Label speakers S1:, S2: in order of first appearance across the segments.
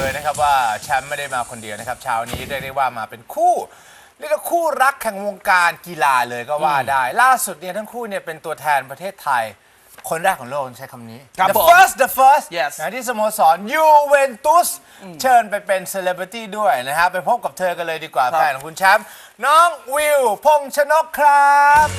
S1: เลยนะครับว่าแชมป์ไม่ได้มาคนเดียวนะครับเช้านี้เรียกได้ว่ามาเป็นคู่เรียกว่าคู่รักแห่งวงการกีฬาเลยก็ว่าได้ล่าสุดเนี่ยทั้งคู่เนี่ยเป็นตัวแทนประเทศไทยคนแรกของโลกใช้คำนี้ the first
S2: Yes
S1: นะที่สโมสรยูเวนตุสเชิญไปเป็นเซเลบริตี้ด้วยนะครับไปพบกับเธอกันเลยดีกว่าแฟนของคุณแชมป์น้องวิวพงษ์ชนกครับ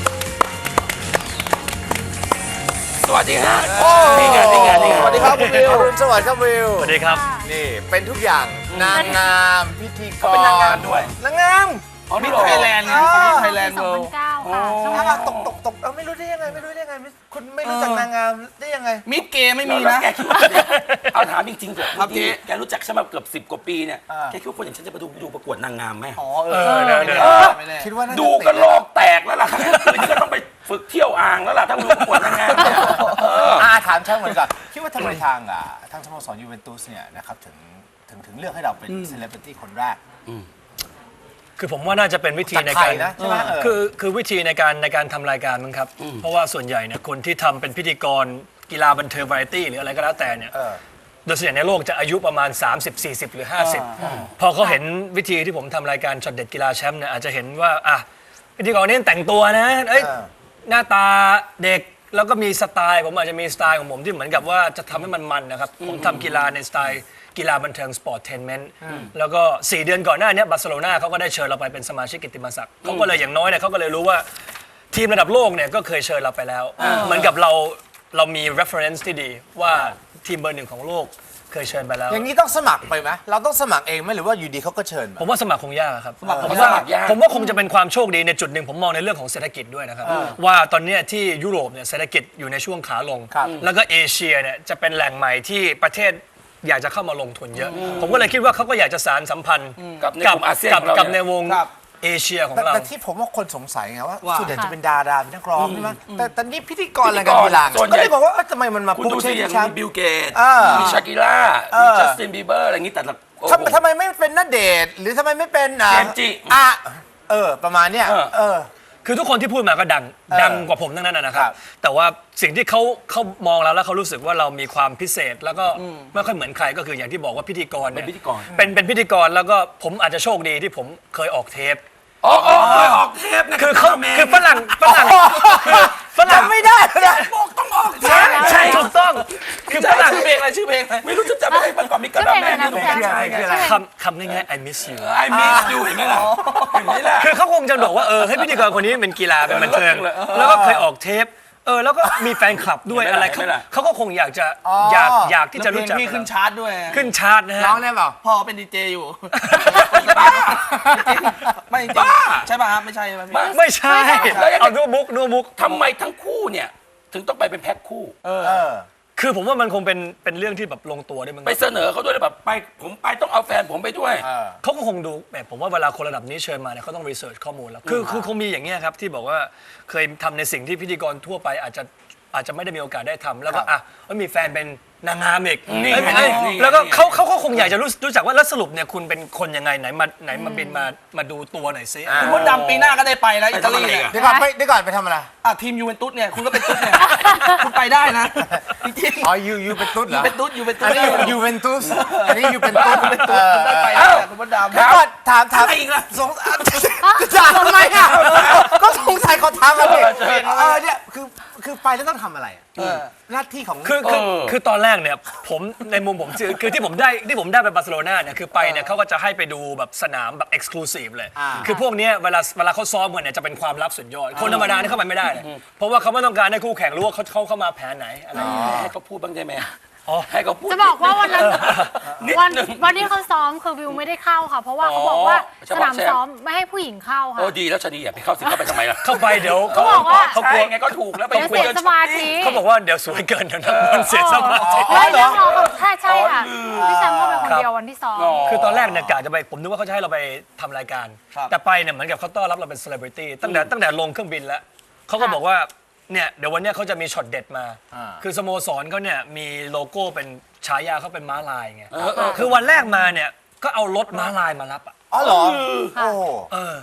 S3: สวัสดีฮะ
S1: นี่ไง
S2: สวัสดีครับคุณวิว
S1: สวัสดีครับวิว
S4: สวัสดีครับ
S1: นี่เป็นทุกอย่างนางงามพิธีกร
S3: เป็นนางงามด้วย
S1: นางงาม
S2: มิสไทยแลนด์นะมิสไทยแลนด์เวิลด์
S5: 2009 ค่ะช่อง
S1: ถ้า
S5: ทาง
S1: ตกไม่รู้ได้ยังไงคุณไม่รู้จักนางงามได้ยังไง
S2: มิสเกย์ไม่มี
S3: แล้ว
S2: นะ
S3: แกคิดว่าเอาถามจริงๆเถอะ
S2: ครับเจ๊
S3: แกรู้จักฉันมาเกือบ10 กว่าปีเนี่ยแกคิดว่าคนอย่างฉันจะมาดูประกวดนางงามไหม
S2: อ๋อไม่แน่
S1: คิดว่าน่าจะ
S3: ดูก็โลกแตกแล้วล่ะคืนนี้ก็ต้องไปฝึกเที่ยวอ่างแล้วล่ะถ้ามาดูประกวดนางงามเนี่ย
S1: ถามช่างเหมือนกันคิดว่าทำไมทางสโมสรยูเวนตุสเนี่ยนะครับถึงเลือกให้เราเป็นเซเลบริตี้คนแรก
S4: คือผมว่าน่าจะเป็นวิธีใน
S1: จากไท
S4: การ
S1: ยนะใช่ไหม
S4: คือวิธีในการทำรายการมั้งครับ เพราะว่าส่วนใหญ่เนี่ยคนที่ทำเป็นพิธีกรกีฬาบันเทิงวาไรตี้หรืออะไรก็แล้วแต่เนี่ยโดยส่วนใหญ่ในโลกจะอายุประมาณ 30 40 หรือ 50 พอเขาเห็นวิธีที่ผมทำรายการช็อตเด็ดกีฬาแชมป์เนี่ยอาจจะเห็นว่าพิธีกรนี่แต่งตัวนะหน้าตาเด็กแล้วก็มีสไตล์ผมอาจจะมีสไตล์ของผมที่เหมือนกับว่าจะทำให้มันนะครับผมทำกีฬาในสไตล์กีฬาบันเทิงสปอร์ตเทนเมนต์แล้วก็4 เดือนก่อนหน้านี้บาร์เซโลนาเขาก็ได้เชิญเราไปเป็นสมาชิกกิตติมศักดิ์เขาก็เลยอย่างน้อยเนี่ยเขาก็เลยรู้ว่าทีมระดับโลกเนี่ยก็เคยเชิญเราไปแล้วเหมือนกับเรามี reference ที่ดีว่าทีมเบอร์ 1ของโลกเคยเชิญไปแล้ว
S1: อย่างนี้ต้องสมัครไปไหมเราต้องสมัครเองไหมหรือว่าอยู่ดีเขาก็เชิญมา
S4: ผมว่าสมัครคงยากครับ
S3: ผม
S4: ว่า
S3: สมัครยาก
S4: ผมว่าคงจะเป็นความโชคดีในจุดหนึ่งผมมองในเรื่องของเศรษฐกิจด้วยนะครับว่าตอนเนี้ยที่ยุโรปเนี่ยเศรษฐกิจอยู่ในช่วงขาลง แล้วก็เอเชียเนี่ยจะเป็นแหล่งใหม่ที่ประเทศอยากจะเข้ามาลงทุนเยอะ ผมก็เลยคิดว่าเขาก็อยากจะสานสัมพันธ์
S3: กับในกลุ่มอาเซียนของเรา
S4: กับใน
S3: เนี่ยว
S4: งเอเชียของ
S1: แต่
S4: เรา
S1: แต่ที่ผมว่าคนสงสัยไงว่า
S2: ว่า
S1: ส่วนใหญ่จะเป็นดาราเป็นนักร้องใช่ไหมแต่นี่พิธีกรอะไรกันกีฬา
S3: ส่วนใหญ่
S1: ก็เลยบอกว่าทำไมมันมา
S3: คุณ
S1: พุ่ง
S3: ดูสิ
S1: ใช่
S3: อย่าง
S1: ไหม
S3: มีบิลเกต มีชากิล่า มีจัสตินบีเบอร์อะไรอย่างนี้แต่ละโอ้โห
S1: ทำไมไม่เป็นณเดชน์หรือทำไมไม่เป็น
S3: เจมส์จิ
S1: ประมาณเนี้ย
S4: คือทุกคนที่พูดมาก็ดังกว่าผมทั้งนั้นนะครั
S1: ครับ บ
S4: แต่ว่าสิ่งที่เขามองเราแล้วเขารู้สึกว่าเรามีความพิเศษ แล้วก็ไม่ค่อยเหมือนใครก็คืออย่างที่บอกว่าพิธีกร
S3: เป็น
S4: เนี่ย
S3: พิธีกร
S4: เป็นพิธีกรแล้วก็ผมอาจจะโชคดีที่ผมเคยออกเทป
S3: อ๋อเคยออกเทปนะ
S4: คือเขาคือฝรั่ง
S1: ไม่ได้นะ
S3: บอกต้องออกเทป
S4: ใช่ถูกต้องคือฝรั่ง
S2: ชื่อเพลงอะไรชื่อเพลงอะไร
S3: ไม่รู้จะจำอะไรมาก่อนมีกระดาษแม่นี่
S1: คืออะไร
S4: คำง่ายๆ I miss you
S3: ไอ้มิสอยู่เห็นไหมล่ะเห็นไหมล่ะ
S4: คือเขาคงจะบอกว่าให้พิธีกรคนนี้เป็นกีฬาเป็นบันเทิงแล้วก็เคยออกเทปแล้วก็มีแฟนคลับด้วยอะไรเขาก็คงอยากจะอยากที่จะรู้จัก
S2: พี่ขึ้นชาร์ตด้วย
S4: ขึ้นชาร์ตนะฮะ
S1: ร้องได้เปล่า
S2: พ่อเป็นดีเจอยู่
S3: บ้า
S2: ไม่จริง
S3: บ้า
S2: ใช่ป่ะครับไม่ใช่ไหมพี่
S4: ไม่ใช่เอานัวมุก
S3: ทำไมทั้งคู่เนี่ยถึงต้องไปเป็นแพ็คคู่
S4: คือผมว่ามันคงเป็นเรื่องที่แบบลงตัวด้วยมั้ง
S3: ไปเสนอเขาด้วยแบบไปผมไปต้องเอาแฟนผมไปด้วย
S4: เขาก็คงดูแบบผมว่าเวลาคนระดับนี้เชิญมาเนี่ยเขาต้องรีเสิร์ชข้อมูลแล้วคือคงมีอย่างเงี้ยครับที่บอกว่าเคยทำในสิ่งที่พิธีกรทั่วไปอาจจะไม่ได้มีโอกาสได้ทำแล้วก็มีแฟนเป็นนางงามอีก
S3: นี่
S4: แล้วก็เขาก็คงอยากจะรู้จักว่าแล้วสรุปเนี่ยคุณเป็นคนยังไงไหนมาบินมาดูตัวหน่อยซิ
S2: คุณมดดำปีหน้าก็ได้ไปนะอิตาลีเนี่ย
S1: เดี๋ยวก่อนไปทำอะไร
S2: ทีมยูเวนตุสเนี่ยคุณก็เป็นตุ๊ดเนี่ยคุณไปได้นะจริงๆ
S1: อ๋อยูเป็นตุ๊ดเหรอ
S2: เป็นตุ๊ดอยู่เป็นตุ๊
S1: อั
S2: ด
S1: นนี้ยูเวนตุสอันนี้ยูเป็นตุ๊ด
S2: คุณได้ไปนะคุณมดดำ
S1: เดี๋ยวก่อนถาม
S3: อะไรอีกล่ะ
S1: สงสัยจะทำไมอ่ะก็สงสัยเขาทำอะไรเนี่ยคือไปแล้วต้องทำอะไรหน้าที่ของ
S4: คือตอนแรกเนี่ยผมในมุมผมคือที่ผมได้ไปบาร์เซโลนาเนี่ยคือไปเนี่ยเขาก็จะให้ไปดูแบบสนามแบบเอ็กซ์คลูซีฟเลยคือพวกเนี้ยเวลาเขาซ้อมกันเนี่ยจะเป็นความลับสุดยอดคนธรรมดานี่เข้าไปไม่ได้เลยเพราะว่าเขาไม่ต้องการให้คู่แข่งรู้ว่าเขาเข้ามาแผนไหนอะไรอย่างเงี้ย
S3: ให้เขาพูดบ้างได้ไหมให้เขาพูด
S5: จะบอกว่าวันนั้น
S3: นิดนึง
S5: วันที่เขาซ้อมคือวิวไม่ได้เข้าค่ะ เพราะว่าเขาบอกว่าสนามซ้อมไม่ให้ผู้หญิงเข้าค่ะ
S3: โอ้ดีแล้วชะนีอย่าไปเข้าสิเข้าไปทำไมล่ะ
S4: เข้าไปเดี๋ยว
S5: เขาบอกว่า
S4: เขากลัว
S3: ใช่ไงก็ถูกแล้วไป
S5: เดี๋ยว
S3: คุย
S5: เสีย
S3: กัน
S5: สมาธิ
S4: เขาบอกว่าเดี๋ยวสวยเกินเดี๋ยวนักบอลเสียสมาธิ
S5: เลยเรียกน้องกับใช่ค่ะพี่แชมป์ก็เป็นคนเดียววันที่ซ้อม
S4: คือตอนแรกเนี่ยกะจะไปผมนึกว่าเขาจะให้เราไปทำรายการ แต่ไปเนี่ยเหมือนกับเขาต้อนรับเราเป็นเซเลบริตี้ตั้งแต่ลงเครื่องบินแล้วเขาก็บอกว่าเนี่ยเดี๋ยววันเนี้ยเขาจะมีช็อตเด็ดมา คือสโมสรเขาเนี่ยมีโลโก้เป็นฉายาเขาเป็นม้าลายไงคือวันแรกมาเนี่ยก็เอารถม้าลายมารับอ่ะ
S1: อ๋อเหรอโอ้
S4: เออ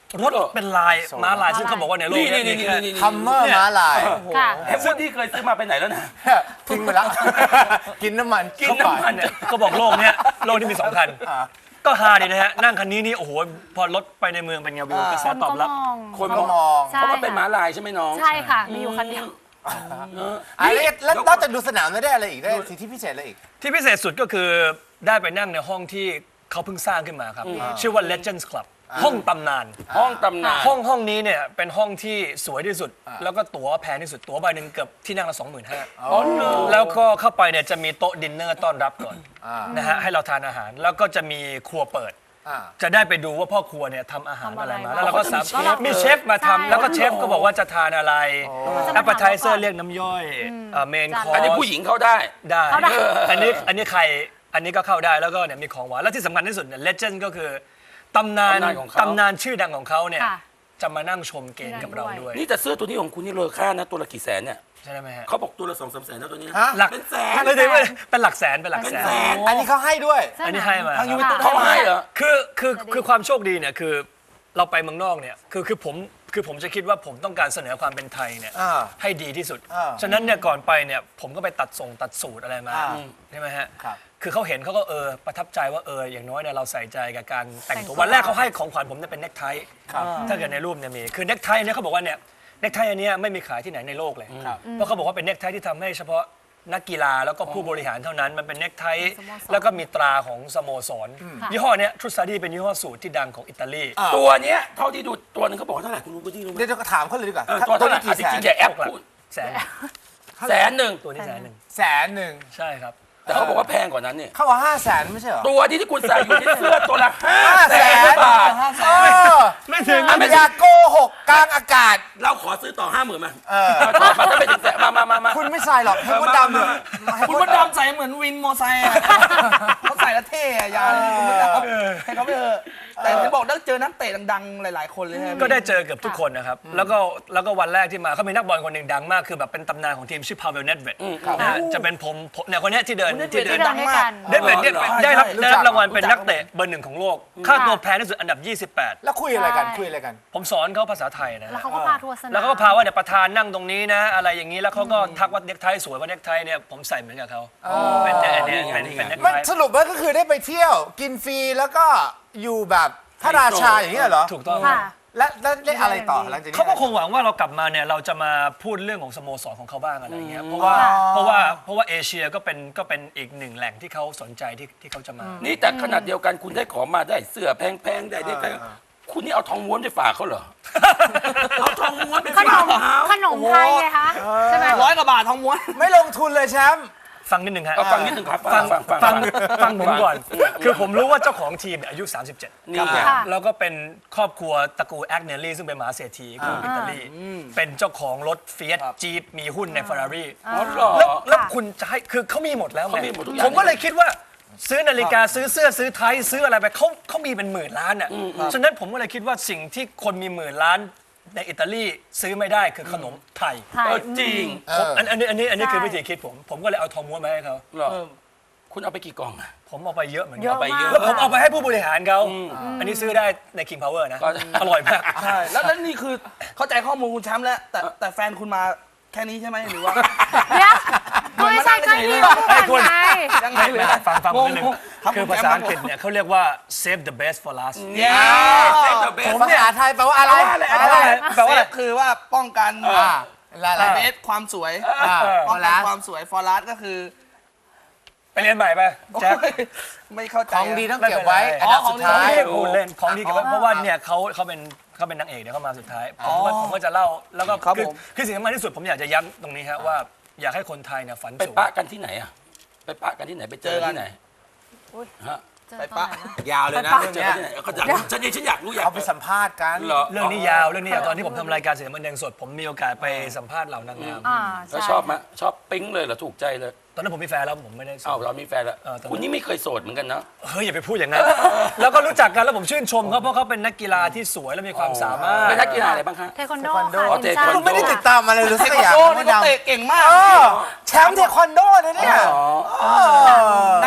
S4: รถเป็นลายม้าลายซึ่งเขาบอกว่าในโลก
S3: นี่
S4: เนี้
S3: นี่
S4: มี
S3: นี่
S4: แค่
S3: นี่
S1: คัมเมอร์ม้าลาย
S5: ค่ะ
S3: ไอ้พวกที่เคยซื้อมาไปไหนแล้วนะ
S1: ทิ้งไปแล้ว กินน้ำมัน
S3: กินน้ำมัน
S4: เนี่ยเขาบอกโลกเนี้ยโลกที่มี2 คัน ก็ฮาดีนะฮะ นั่งคันนี้นี่โอ้โหพอรถไปในเมืองเป็นไงวิวกระแส
S5: คน
S4: ตอ
S5: ก็
S4: บรับ
S5: มอง
S3: คน
S1: ก็มอง
S5: ใช่
S3: เพราะว่าเป็นม้าลายใช่ไหมน้อง
S5: ใช่ค่ะ มีอยู่คันเดียว
S1: แล้วนอกจากดูสนามแล้วได้อะไรอีกได้สิทธิพิเศษอะไรอีก
S4: ที่พิเศษสุดก็คือได้ไปนั่งในห้องที่เขาเพิ่งสร้างขึ้นมาครับ ชื่อว่า Legends Club ห้องตำนาน
S3: ห้องตำนาน
S4: ห้องนี้เนี่ยเป็นห้องที่สวยที่สุด แล้วก็ตั๋วแพงที่สุด ตั๋วใบหนึ่งเกือบที่นั่งละ 25,000
S3: อ๋อเหรอ
S4: แล้วก็เข้าไปเนี่ยจะมีโต๊ะดินเนอร์ต้อนรับก่อนนะฮะให้เราทานอาหาร แล้วก็จะมีครัวเปิด จะได้ไปดูว่าพ่อครัวเนี่ยทำอาหารอะไรมา แล้วเราก็สามารถมีเชฟมาทำแล้วก็เชฟก็บอกว่าจะทานอะไรแอปเปอร์ไทเซอร์เรียกน้ำย่อยเมนคอร์
S3: อันนี้ผู้หญิงเข้าได้
S4: ได้
S5: เข้าได้
S4: อันนี้ใครอันนี้ก็เข้าได้แล้วก็เนี่ยมีของหวานแล้วที่สำคัญที่สุดเนี่ยเลเจนด์ก็คือตำนาน
S3: ตำนานของเขา
S4: ตำนานชื่อดังของเขาเนี่ย
S5: ค่ะ
S4: จะมานั่งชมเกมกับเราด้วย
S3: นี่แต่เสื้อตัวนี้ของคุณนี่เลอค่านะตัวละกี่แสนเนี่ย
S4: ใช่ไหมฮะ
S3: เขาบอกตัวละ2-3 แสนนะตัวนี้
S1: ฮะ
S4: หลัก
S3: เป็นแสน
S4: ไม่ได้เป็นหลักแสนเป็นหลักแสน
S3: เป็นแสน
S1: อันนี้เขาให้ด้วย
S4: อันนี้ให้มา
S2: ทางยูเวนตุส
S3: เขาให้เหรอ
S4: คือความโชคดีเนี่ยคือเราไปเมืองนอกเนี่ยคือผมจะคิดว่าผมต้องการเสนอความเป็นไทยเนี่ย
S1: อ่า
S4: ให้ดีที่สุด
S1: อ่า
S4: ฉะนั้นเนี่ยก่อนไปเนี่ยผมก็ไปตัดสูตรอะไรมา
S1: อ่า
S4: ใช่ไหมฮะ
S1: ครับ
S4: คือเขาเห็นเขาก็ประทับใจว่าอย่างน้อยเนี่ยเราใส่ใจกับการแต่งตัว
S5: แต่งตัว
S4: วันแรกเขาให้ของขวัญผมเนี่ยเป็นเน็กไทถ้าเกิดในรูปเนี่ยมีคือเน็กไทเนี่ยเขาบอกว่าเนี่ยเน็กไทอันเนี้ยไม่มีขายที่ไหนในโลกเลยเพราะเขาบอกว่าเป็นเน็กไทที่ทำให้เฉพาะนักกีฬาแล้วก็ผู้บริหารเท่านั้นมันเป็นเน็กไทแล้วก็มีตราของสโมสรยี่ห้อเนี้ยทรูซาดีเป็นยี่ห้อสูตรที่ดังของอิตาลี
S3: ตัวเนี้ยเท่าที่ดูตัวหนึงเขาบอกว่าเท่าไหร่คุณรู้พี่รู้ไหม
S1: เดี๋ยวจะถามเขาเลยดีกว่า
S3: ตัวเท่าไหร่
S1: กี่แส
S3: จ
S1: น
S3: ริงๆอย่าแอปพูด
S4: แสน
S3: แสนหนึ่ง
S4: ตัวนี้100,000
S1: แสนหนึ่ง
S4: ใช่ครับ
S3: แต่เขาบอกว่าแพงกว่านั้นเนี่ย
S1: เขาบอก500,000ไม่ใช่เหรอ
S3: ตัวที่คุณใส่อยู่ที่เสื้อตัวละ5 แสน
S1: 500,000
S3: บาท
S1: เออ
S4: ไม่ถึง
S1: อย่าโกหกกลางอากาศ
S3: เราขอซื้อต่อ 50,000มาต่อมาถ้าไม่ถึงแสนมา
S1: คุณไม่ใส่หรอกให้มดดำเลย
S2: คุณมดดำใส่เหมือนวินมอไซค์อะเขาใส่แล้วเท่อะยาเลยคุณมดดำให้เขาไปเถอะแต่เห็นบอกได้เจอนักเตะดังๆหลายๆคนเลยใช่ไหม
S4: ก็ได้เจอเกือบทุกคนนะครับ แล้วก็วันแรกที่มาเขามีนักบอลคนหนึ่งดังมาก คือแบบเป็นตำนานของทีมชื่อพาเวลเนตเวดนะฮะจะเป็นผมเนี่ยคนเนี้ยที่เดิน
S5: ที่เดินด้วยกัน
S4: เนตเวดเนี่ยได้รับรางวัลเป็นนักเตะเบอร์ 1ของโลก ค่าตัวแพงที่สุดอันดับ 28
S1: แล้วคุยอะไรกันคุยอะไรกัน
S4: ผมสอนเขาภาษาไทยนะ
S5: แล้ว
S4: ฮะ
S5: เขาก็พาทัวร์สนาม
S4: แล้วเขาก็พาว่าเนี่ยประธานนั่งตรงนี้นะ อะไรอย่างนี้แล้วเขาก็ทักว่าเน็กไทสวยว่าเน็กไทเนี่ยผมใส่เหมือนกับเขาเป็นเนี่ยเป็นเน็ก
S1: มัน
S4: ไท
S1: สรุปว่าก็คือได้ไปเที่ยวกินฟรีแล้วก็อยู่แบบพระราชาอย่างนี้เหรอ
S4: ถูกต้อง
S5: ค่ะ
S1: และได้อะไรต่อหลังจากนี้
S4: เขาก็คงหวังว่าเรากลับมาเนี่ยเราจะมาพูดเรื่องของสโมสรของเขาบ้างอะไรอย่างเงี้ยเพราะว่าเอเชียก็เป็นอีกหนึ่งแหล่งที่เขาสนใจที่เขาจะมา
S3: นี่แต่ขนาดเดียวกันคุณได้ของมาได้เสื้อแพงๆได้แพงคุณนี่เอาทองม้วนไปฝากเขาเหรอ เอาทองม้วนไป
S5: ข
S3: ฝาก
S5: นม
S3: เขา
S5: ขนมไทยไงคะใช่ไหม
S2: 100 กว่าบาททองม้วน
S1: ไม่ลงทุนเลยแชมป์
S4: ฟังนิดนึงฮะ
S3: เอาฟังนิดหนึ่งครับ
S4: ฟังผมก่อน คือผมรู้ว่าเจ้าของทีมเนี่ยอายุ 37
S3: นี่ไง
S5: ค่ะ
S4: แล้วก็เป็นครอบครัวตระกูลแอกเนลลี่ซึ่งเป็นมหาเศรษฐีของอิตาลีเป็นเจ้าของรถเฟียสจีปมีหุ้นใน Ferrari
S3: อ๋อเหรอ
S4: แล้วคุณจะให้คือเขามีหมดแล้วไง
S3: เขามีหมดทุกอย่าง
S4: ผมก็เลยคิดว่าซื้อนาฬิกาซื้อเสื้อซื้อไทยซื้ออะไรไปเขามีเป็นหมื่นล้านอ่ะฉะนั้นผมก็เลยคิดว่าสิ่งที่คนมีหมื่นล้านในอิตาลีซื้อไม่ได้คือขนมไทย
S5: ไทย
S3: จริง
S4: อันนี้คือ
S5: ใช่
S4: วิธีคิดผมก็เลยเอาทองม้วนมาให้เขา
S3: เหรอคุณเอาไปกี่กล่องอะ
S4: ผมเอาไปเยอะเหมือน
S5: เย
S4: กั
S5: อะ
S4: น
S3: ไปเยอะ
S5: มาก
S4: แล้วผมเอาไปให้ผู้บริหารเขาอันนี้ซื้อได้ใน King Power นะ
S3: ก็
S4: อร่อยมาก
S2: ใช่ แล้วนี่คือเข้าใจข้อมูลคุณแชมป์แล้ว แต่แฟนคุณมาแค่นี้ใช่ไหมหรือว่า
S5: เดี๋ยวก็ไม่ใช่แค่นี้เราพูดกันไง
S2: ยังไงเลย
S4: ฟังผมนิดนึง
S2: รับ
S4: คือ
S2: ณ
S4: ภา
S2: แช
S4: ษาม
S2: ป์
S4: อังกฤษเนี่ยเขาเรียกว่า save the best for last
S2: เย้
S1: ผมภาษาไทยแปลว่าอะไร
S2: แปลว่าคือว่าป้องกัน
S1: อะไร
S2: เบสความสวย
S1: พ
S2: ป้
S1: อ
S2: องกั
S1: แล้
S2: น
S1: ว
S2: ความสวยฟอร์รัสก็คือ
S4: ไปเรียนใหม่ไปแจ็ค
S2: โอ้ยไม่เข้าใจ
S1: ของดีต้องเก็บไว้
S4: ไม่
S1: อัน
S4: เป็นไร
S1: ดับสุดท้าย
S4: ไม่ได้พูดเล่นของดีเก็บไว้เพราะว่าเนี่ยเขาเป็นนางเอกเดี๋ยวเขามาสุดท้ายผมก็จะเล่าแล้วก็คือสิ่งสำคัญที่สุดผมอยากจะย้ำตรงนี้ฮะว่าอยากให้คนไทยเนี่ยฝัน
S3: ไป
S4: สูง
S3: ปะกันที่ไหนอะไปปะกันที่ไหนไปเจอที่ไหน ฮะ
S5: เจอตอนไหนนะ
S1: ยาวเลยนะ
S5: ไปปะ
S1: เรื่อง
S3: เจอ
S1: เนี้ย
S3: ที่ไหนเขาอยากรู้ฉันอยากรู้อยาก
S1: เอาไปสัมภาษณ์กัน
S3: เหรอ
S4: เรื่องนี้ยาวตอนที่ผมทำรายการเสียงบันเทิงสด ผมมีโอกาสไปสัมภาษณ์เหล่านางงาม
S5: อ่า
S3: แล้ว
S5: ใช่
S3: ชอบไหมชอบปิ๊งเลยเหรอถูกใจเลย
S4: ตอนนั้นผมมีแฟนแล้วผมไม่ได้
S3: อ้าวเรามีแฟนแล้ว
S4: ตอนนั้น
S3: คุณนี่ไม่เคยโสดเหมือนกันนะ
S4: เฮ้ยอย่าไปพูดอย่างนั้น แล้วก็รู้จักกันแล้วผมชื่นชมเขาเพราะเขาเป็นนักกีฬาที่สวยและมีความสามารถ
S3: เป็นนักกีฬาอะไรบ้างคะ
S5: เทควันโด
S1: เทควันโด
S5: ค่ะ
S3: อ๋อ
S5: ทีมชา
S3: เทควัน
S5: ติ
S3: โด
S1: ไม่ได้ติดตามอะไรเลยสักอย่าง
S2: โอ้
S1: ไม่
S2: นี่ก็
S1: ดำ
S2: เตะเก่งมาก
S1: แชมป์เทควันโดเลยเนี่ย
S2: ในฐานะ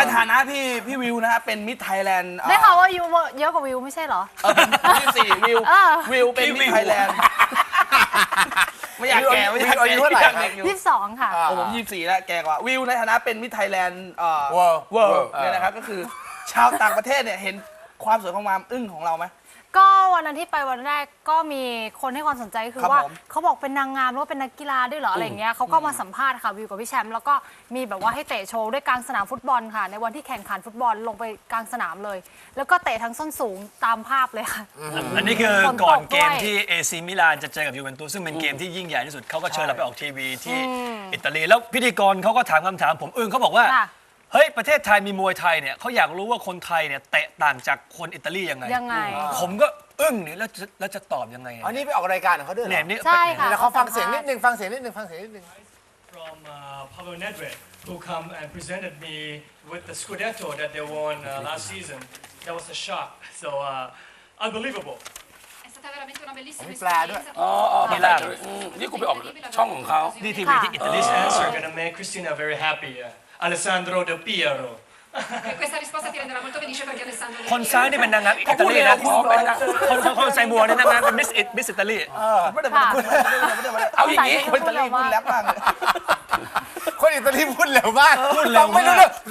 S2: พี่วิวนะฮะเป็นมิสไทยแลนด์
S5: ได้ข่าวว่ายูเยอะกว่าวิวไม่ใช่เหรอ
S2: ผม24วิว
S5: เออ
S2: วิวเป็นมิสไทยแลนด์ไม่อยากแก่ไม่อยาก
S1: อายุเท่าไหร่ครับ
S2: เด็กอยู่
S5: 22 ค่ะ
S2: โอ้ผม24แล้วแก่กว่าวิวในฐานะเป็นมิสไทยแลนด์
S1: World
S2: เวิลด์เนี่ยนะครับก็คือชาวต่างประเทศเนี่ยเห็นความสวยความอึ้งของเราไหม
S5: ก็วันนั้นที่ไปวันแรกก็มีคนให้ความสนใจก็คือ
S2: ครับ
S5: ว่า
S2: ผม
S5: เขาบอกเป็นนางงามหรือว่าเป็นนักกีฬาด้วยเหรออะไรอย่างเงี้ยเขาก็มาสัมภาษณ์ค่ะวิวกับพี่แชมป์แล้วก็มีแบบว่าให้เตะโชว์ด้วยกลางสนามฟุตบอลค่ะ ในวันที่แข่งขันฟุตบอลลงไปกลางสนามเลย แล้วก็เตะทั้งส้นสูงตามภาพเลยค่ะ
S4: อันนี้คือ
S5: ฝนตก
S4: ก่อนเกม
S5: ด้วย
S4: ที่เอซีมิลานจะเจอกับยูเวนตุสซึ่งเป็นเกมที่ยิ่งใหญ่ที่สุดเขาก็เชิญเราไปออกทีวีที่อิตาลีแล้วพิธีกรเขาก็ถามคำถามผมอึ้งเขาบอกว่า
S5: ค่ะ
S4: เฮ้ยประเทศไทยมีมวยไทยเนี่ยเขาอยากรู้ว่าคนไทยเนี่ยเตะต่างจากคนอิตาลียังไง
S5: ยังไง
S4: ผมก็อึ้งนี่แล้วจะตอบยังไง
S1: อันนี้ไปออกรายการของเขาด้วยเหร
S4: เนี่ย
S1: อ
S4: นี่
S5: ใช่ค่ะ
S1: เดี๋ยวเขาฟังเสียงนิดนึงฟังเสียงนิดนึง
S6: from Pablo Nedved, who come and presented me with the Scudetto that they won last season. That was a shock. So unbelievable.
S7: È stata veramente una bellissima
S1: Mi piace.
S7: esperienza.
S3: อ๋อมีลานี่กูไปออกช่องของเขา
S4: นี่ทีวีที่อิตาลี
S6: This answer gonna make Christina very happy. Alessandro Del Piero.
S7: E questa risposta ti renderà molto felice perché Alessandro
S4: คนซ้ายนี่เป็นนางงามอิตาลีนะ
S3: อ๋อเป็นนาง
S4: คนใส่บัวนี่นางงามเป็นมิสอิตาลี
S2: ไม่ได้
S5: ค่ะ
S3: เอาอย่างนี้
S2: คนอิตาลีพูดแรปมากเลย
S1: คนอิตาลีพูดเร็วมากฟังไม่รู้เรื่อง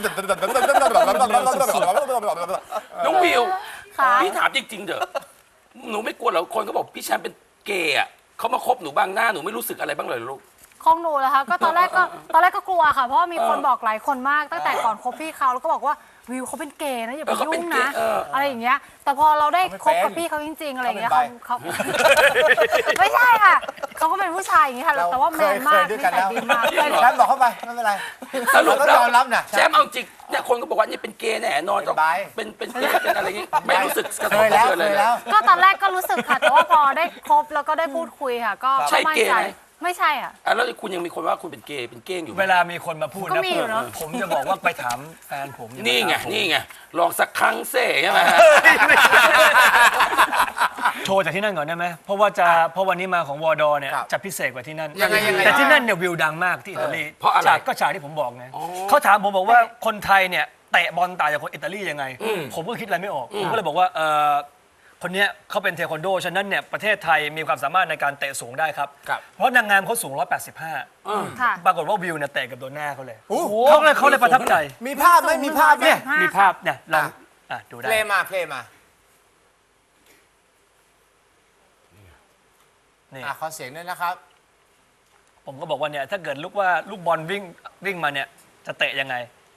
S3: น้องวิว
S5: ค่ะ
S3: พี่ถามจริงๆเถอะหนูไม่กลัวเหรอคนเขาบอกพี่แชมป์เป็นเกย์อะเขามาคบหนูบางหน้าหนูไม่รู้สึกอะไรบ้างเลยเหรอลูก
S5: ของหนูเหรอคะก็ตอนแรกก็กลัวค่ะ เพราะว่ามีคนบอกหลายคนมากตั้งแต่ก่อนคบพี่เขาแล้วก็บอกว่าวิวเขาเป็นเกย์นะอย่าไป
S3: เขาเป็น
S5: ยุ่ง
S3: เกย์
S5: นะ อะไรอย่างเงี้ยแต่พอเราได้คบกับพี่เขาจริง ๆ อะไรอย่างเงี้ยเขาไม่ใช่ค่ะเขาก็เป็นผู้ชายอย่างงี้ค่ะแต่ว่าแมนมากนิสัยดีมาก
S1: แชมป์บอกเข้าไปไม่เป็นไร
S3: สรุป
S1: เรา
S3: แล้
S1: ต้
S3: ว
S1: องยอมรับนะ
S3: แชมป์เอาจริงเนี่ยคนก็บอกว่านี่เป็นเกย์แน่นอน
S1: เป็นไบ
S3: เป็นเกย์เป็นอะไรอย่างงี้ไม่รู้สึกกระท
S1: เค
S3: บ
S1: ย
S3: กระ
S1: แล้ว
S3: เทือน
S1: เค
S3: เลย
S1: ย
S3: นะ
S1: แล้ว
S5: ก็ตอนแรกก็รู้สึกค่ะ แต่ว่าพอได้คบแล้วก็ได้พูดคุยค่ะ ก็
S3: ใช่
S5: มั่น
S3: เกย์
S5: ใจ
S3: ไหม
S5: ไม่ใช่อ่ะ
S3: อ่ะแล้วคุณยังมีคนว่าคุณเป็นเกย์เป็นเก้งอยู่ไหม
S4: เวลามีคนมาพูด
S5: ก็
S4: นะ
S5: มีอยู่เนอะ
S4: ผมจะบอกว่าไปถามแฟนผม
S3: นี่ไง
S4: อย่ามาถามผม
S3: นี่ไงลองสักครั้งเซ่ใช่ไหมฮะ
S4: โชว์จากที่นั่นก่อนได้ไหมเพราะวันนี้มาของวอดอเนี่ย
S1: ครับ
S4: จะพิเศษกว่าที่นั่น
S1: ยังไง
S4: แต่ที่นั่นเนี่ยวิวดังมากที่อิตาลี
S3: เพราะอะไร
S4: ฉากก็ฉากที่ผมบอกไงเขาถามผมบอกว่าคนไทยเนี่ยเตะบอลต่างจากคนอิตาลียังไง ผมก็คิดอะไรไม่ออกผมก็เลยบอกว่าคนเนี้ยเขาเป็นเทควันโดฉะนั้นเนี่ยประเทศไทยมีความสามารถในการเตะสูงได้ครับ
S1: ครับ
S4: เพราะนางงามเขาสูง 185
S5: ค่ะ
S4: ปรากฏว่าวิวเนี่ยเตะกับโดนหน้าเขาเลย
S1: โอ้โห
S4: เขาเลยประทับใจ
S1: มีภาพไหมมีภาพไหม
S4: เนี่ยมีภาพเนี่ยลองดูได้
S1: เพลงมาเพลงมา
S4: นี่
S1: ขอเสียงด้วยนะครับ
S4: ผมก็บอกว่าเนี่ยถ้าเกิดลูกบอลวิ่งมาเนี่ยจะเตะยังไง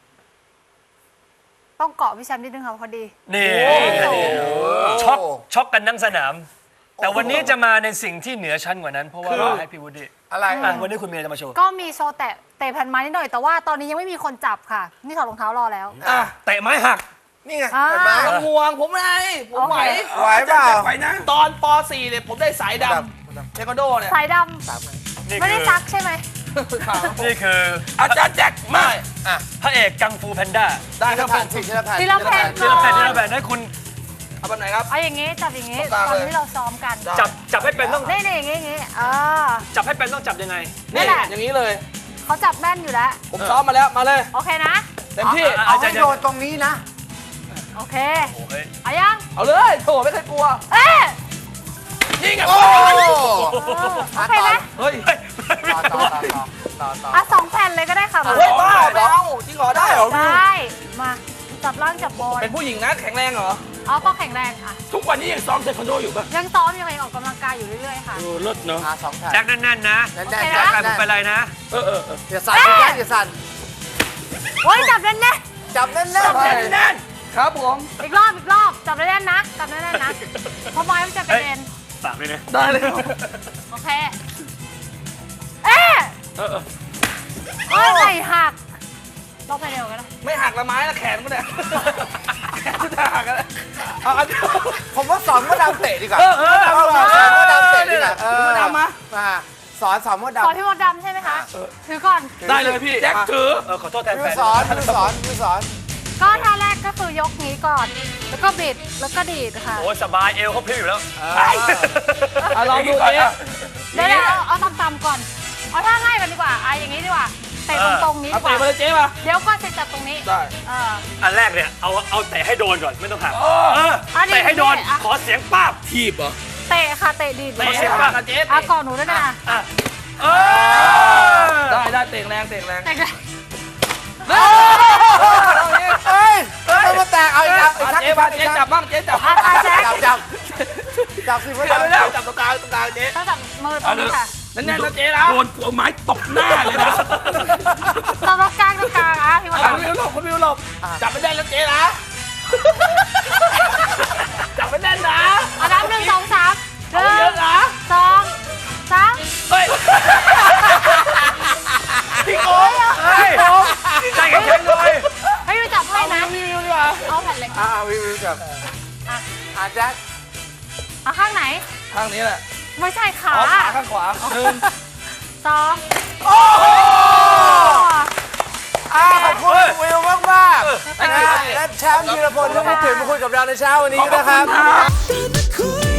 S5: ต้องเกาะพี่แชมป์นิดนึงค่ะพอดี
S4: นี่
S1: โอ้โห
S4: ช็อกกันทั้งสนาม แต่วันนี้จะมาในสิ่งที่เหนือชั้นกว่านั้น เพราะว่าให้พี่วูดดี้
S1: อะไร
S4: วันนี้คุณเมียจะมาโชว์
S5: ก็มีโชว์เตะแผ่นไม้นิดหน่อยแต่ว่าตอนนี้ยังไม่มีคนจับค่ะ นี่ถอดรองเท้ารอแล้ว
S4: เตะไม้หัก
S1: นี่ไง
S5: อ่า
S1: เห็นไหม
S2: ต้องห่วงผมไงผมไหว
S1: ไหวเปล่า
S3: ไปนะ
S2: ตอนป .4 เนี่ยผมได้สายดำเทควันโดเนี่ย
S5: สายดำไม่ได้ซักใช่ไหม
S4: นี่คือ
S3: อาจารย์แจ็คมา
S4: พระเอกกังฟูแพนด้า
S2: ได้ครับผ
S1: ผ่าน
S2: ม
S1: สิทีละแผ่น
S5: ทีละแผ่น
S4: ที่เราแพนที่เราแพนให้คุณ
S2: เอาแบบไหนครับ
S5: เอาอย่างงี้จับอย่างงี้
S2: ตรงกลาง
S5: ตอน
S2: เลย
S5: ที่เราซ้อมกัน
S2: ได้
S4: จับให้เป็นต้อง
S5: นี่อย่างงี้อย่างงี้
S4: จับให้เป็นต้องจับยังไง
S5: นี่
S2: นี่
S5: แหละ
S2: อย่างนี้เลย
S5: เขาจับแม่นอยู่แล้ว
S2: ผมซ้อมมาแล้วมาเลย
S5: โอเคนะ
S2: เต็มที่
S1: เอาให้โดนตรงนี้นะ
S5: โอเค
S4: โอ้ย
S5: เอายัง
S2: เอาเลยโถไม่เคยกลัว
S5: เอ๊ะ
S3: นี่ไง
S1: โอ้
S5: โอเคไหม
S2: เฮ้ย
S1: ต่อ
S5: อ่ะ2 แผ่นเลยก็ได้ค่ะ
S2: เฮ้ยบ้าไม่เอาจริงเหรอได้เหรอ
S5: ได้มาจับล่างจับบน
S2: เป็นผู้หญิงนะแข็งแรงเหรอ
S5: เอาก็แข็งแรงอ่ะ
S3: ทุกวันนี้ยังซ้อมเทควันโดอยู่ป่ะ
S5: ยังซ้อมยังไงออกกำลังกายอยู่เรื่อยๆค่ะ
S3: เลิศเนาะ
S1: สองแผ่น
S4: แจ็คแน่นๆนะ
S1: แน่น
S5: โอเค
S1: ๆ
S5: นะ
S1: แจ็ค
S4: แจ็คผมเป็นไรนะ
S1: อย่าสั่นสิแจ็คอย่าสั่น
S5: โอ้ยจับแน่น
S1: จับแน่นๆ
S3: แน่น
S2: ครับผม
S5: ๆอีกรอบจับแน่นๆนะจับแน่นๆนะเพราะไม้มันจะกระเด็น
S4: ฝากด้วยนะ
S2: ได้เลย
S5: โอเคเอ๊ะเอ้ยไหล่หักลองไปเร็วกันนะ
S2: ไม่หักละไม้ละแขนก็ได้แขนก็จะหักกันเอาอันเดียว
S1: ผมว่าสอนมดดำเตะดีกว่า
S2: เอา
S1: สอนมดดำเตะดีกว่า
S2: มดดำมา
S1: สอนมด
S5: ขอ
S1: ดำ
S5: พี่มดดำใช่ไหมคะถือก่อน
S2: ได้เลยพี่
S3: แจ็คถือ
S4: ขอโทษแทน
S1: มื
S4: แฟ
S1: อน สอนมือสอนมือสอน
S5: ก็ท่าแรกก็คือยกนี้ก่อน แล้วก็บิดแล้วก็ดีดค่ะ
S4: โอ้ยสบายเอวเขาพลิ้วอยู่แล้ว
S2: ลองดูดิ
S5: เดี๋ยวเอาต่ำๆก่อนเอาท่าง่ายกันดีกว่าอย่างนี้ดีกว่าเตะตรงๆนี้
S2: เอา
S5: ดีก
S2: เตะมา
S5: ว่า
S2: เลยเจ๊มา
S5: เดี๋ยวก็จะจับตรงนี้
S2: ได้
S4: อันแรกเนี่ยเอาเตะให้โดนก่อนไม่ต้องหัก
S5: อันนี้
S4: เตะให้โดน
S5: อ่ะ
S4: ขอเสียงป้าบ
S3: ทีบเหรอ
S5: เตะค่ะเตะดีด
S2: เตะ
S5: เลย
S2: ให้ปากกับเจ๊
S5: อ่ะก่อนหนูด้วยนะ
S2: ได้เตะแรงเตะแรง
S5: เตะกัน
S1: เฮ้ยต้องมาแตกเอาอีกแล้ว
S2: เจ๊มาเจ๊จับบ้างเจ๊จับ
S5: แจ๊ค
S1: จับสิพ่อ
S2: จับไม่ได้
S1: จับ
S2: จับตรงกลางเจ๊
S5: ต้องจับมือตรงนี้ค่ะ
S2: แน่นๆนะเจ๊นะ
S3: โดนเอาไม้ตบหน้าเลยนะ
S5: ตรงกลางอ่ะพี่วัน
S2: คุณวิวหลบคุณวิวหลบจับไม่ได้แล้วเจ๊นะจับไม่ได้นะ
S5: เอานับ1 2 3
S2: เอาเยอะนะ
S5: 1 2 3
S2: เฮ้ยพี่โก้
S4: ใจแข็งๆเลย
S5: ให้ดูจับให้นะ
S2: วิวดีกว่า
S5: เอาแผ่นเหล็ก
S1: วิวจับแจ็ค
S5: เอาข้างไหน
S2: ข้างนี้แหละ
S5: ไม่ใช่ขา
S2: อ๋อขาข้างขวา1
S5: 2
S1: ขอบคุณวิวมากๆและแชมป์ธีรพลที่มาถึงมาคุยกับเราในเช้าวันนี้นะครับ